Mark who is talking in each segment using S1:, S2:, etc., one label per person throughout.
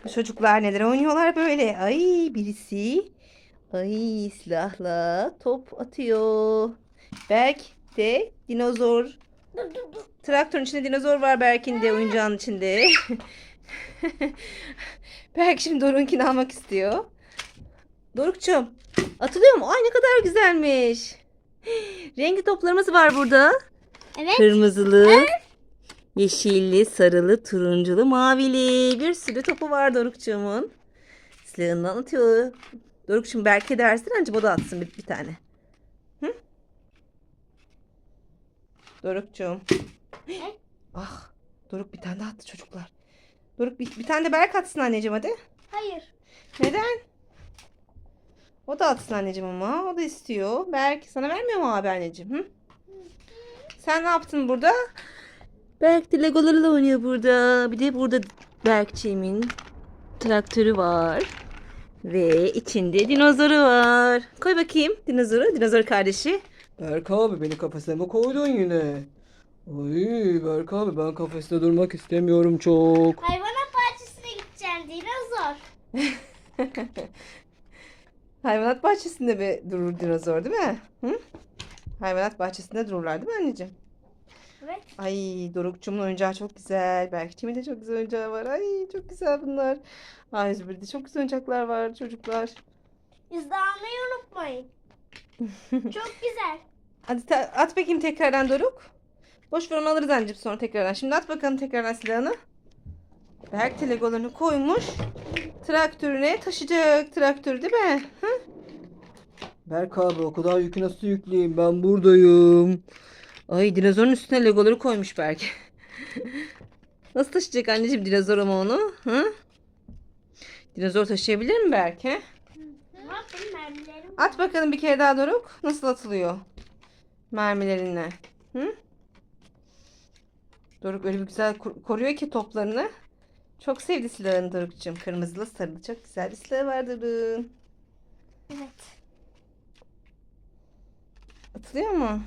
S1: Bu çocuklar neler oynuyorlar böyle? Ay birisi silahla top atıyor. Berk de dinozor. Traktörün içinde dinozor var Berk'in de oyuncağın içinde. Berk şimdi Doruk'unkini almak istiyor. Doruk'cum atılıyor mu? Ay ne kadar güzelmiş. Renkli toplarımız var burada.
S2: Evet.
S1: Kırmızılı, yeşilli, sarılı, turunculu, mavili. Bir sürü topu var Doruk'cuğumun. Silahından atıyor. Doruk'cum Berke dersin anca o da atsın bir tane. Hı? Doruk'cum.
S2: Evet.
S1: Ah, Doruk bir tane daha attı çocuklar. Doruk bir tane de Berk atsın anneciğim hadi.
S2: Hayır.
S1: Neden? O da atsın anneciğim ama. O da istiyor. Berk sana vermiyor mu abi anneciğim? Hı? Sen ne yaptın burada? Berk de Legolarıyla oynuyor burada. Bir de burada Berkçiğimin traktörü var. Ve içinde dinozoru var. Koy bakayım dinozoru. Dinozor kardeşi.
S3: Berk abi beni kafese mi koydun yine? Ay Berk abi ben kafeste durmak istemiyorum çok.
S2: Hayvanat bahçesine gideceğim dinozor.
S1: Hayvanat bahçesinde bir durur dinozor değil mi? Hı? Hayvanat bahçesinde dururlar değil mi anneciğim?
S2: Evet.
S1: Ay Dorukçumun oyuncağı çok güzel. Berkçimin de çok güzel oyuncağı var. Ay çok güzel bunlar. Ay Zübür'de çok güzel oyuncaklar var çocuklar.
S2: İzlemeyi unutmayın. Çok güzel.
S1: Hadi at bakayım tekrardan Doruk. Boş ver onu alırız anneciğim sonra tekrardan. Şimdi at bakalım tekrardan silahını. Berk de legolarını koymuş. Traktörüne taşıyacak traktörü değil mi? Hı?
S3: Berk abi o kadar yükü nasıl yükleyeyim ben buradayım.
S1: Ay dinozorun üstüne legoları koymuş Berk. Nasıl taşıyacak anneciğim dinozor ama onu? Hı? Dinozor taşıyabilir mi Berk? He?
S2: Ne yapayım mermilerim?
S1: At bakalım bir kere daha Doruk. Nasıl atılıyor? Mermilerinle. Hı? Doruk öyle bir güzel koruyor ki toplarını. Çok sevdi silahını Doruk'cığım. Kırmızılı sarılı çok güzel bir silahı var Doruk'un.
S2: Evet.
S1: Atılıyor mu?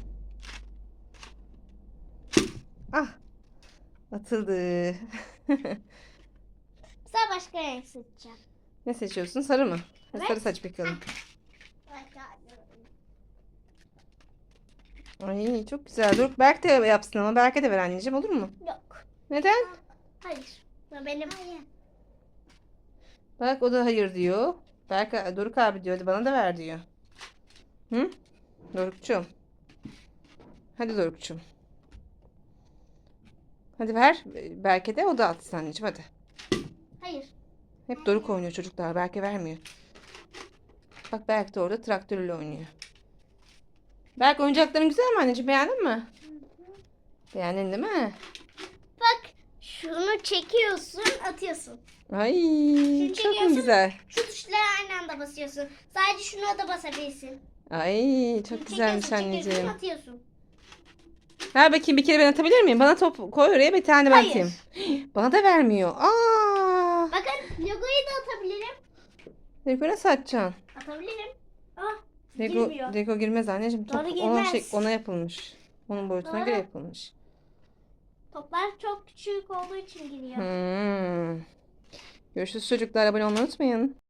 S1: Ah atıldı.
S2: Güzel başka renk seçeceğim.
S1: Ne seçiyorsun? Sarı mı?
S2: Evet.
S1: Sarı saç bakalım. Ay çok güzel. Doruk Berk de yapsın ama Berk'e de ver anneciğim olur mu?
S2: Yok.
S1: Neden?
S2: Hayır. Bu benim. Hayır.
S1: Bak o da hayır diyor. Berk, Doruk abi diyor. Hadi bana da ver diyor. Hı? Dorukçum. Hadi Dorukçum. Hadi ver. Berke de o da atsın anneciğim hadi.
S2: Hayır.
S1: Hep Doruk oynuyor çocuklar. Berke vermiyor. Bak Berk de orada traktörle oynuyor. Berk oyuncakların güzel mi anneciğim? Beğendin mi? Beğendin değil mi?
S2: Bak şunu çekiyorsun atıyorsun.
S1: Ay çok mu
S2: çekiyorsun.
S1: güzel.
S2: Şu tuşlara aynı anda basıyorsun. Sadece şuna da basabilirsin.
S1: Ay çok güzelmiş
S2: Çekiyorsun,
S1: anneciğim.
S2: atıyorsun.
S1: Ver bakayım bir kere ben atabilir miyim? Bana top koy oraya bir tane ben
S2: Hayır.
S1: atayım. Bana da vermiyor. Aa!
S2: Bakın logoyu da atabilirim.
S1: Lego nasıl atacaksın?
S2: Atabilirim. Ah
S1: Lego,
S2: girmiyor.
S1: Lego girmez anneciğim. Top
S2: Doğru
S1: ona,
S2: girmez.
S1: ona yapılmış. Onun boyutuna
S2: Doğru.
S1: göre yapılmış.
S2: Toplar çok küçük olduğu için giriyor.
S1: Hmm. Görüşürüz çocuklar. Abone olmayı unutmayın.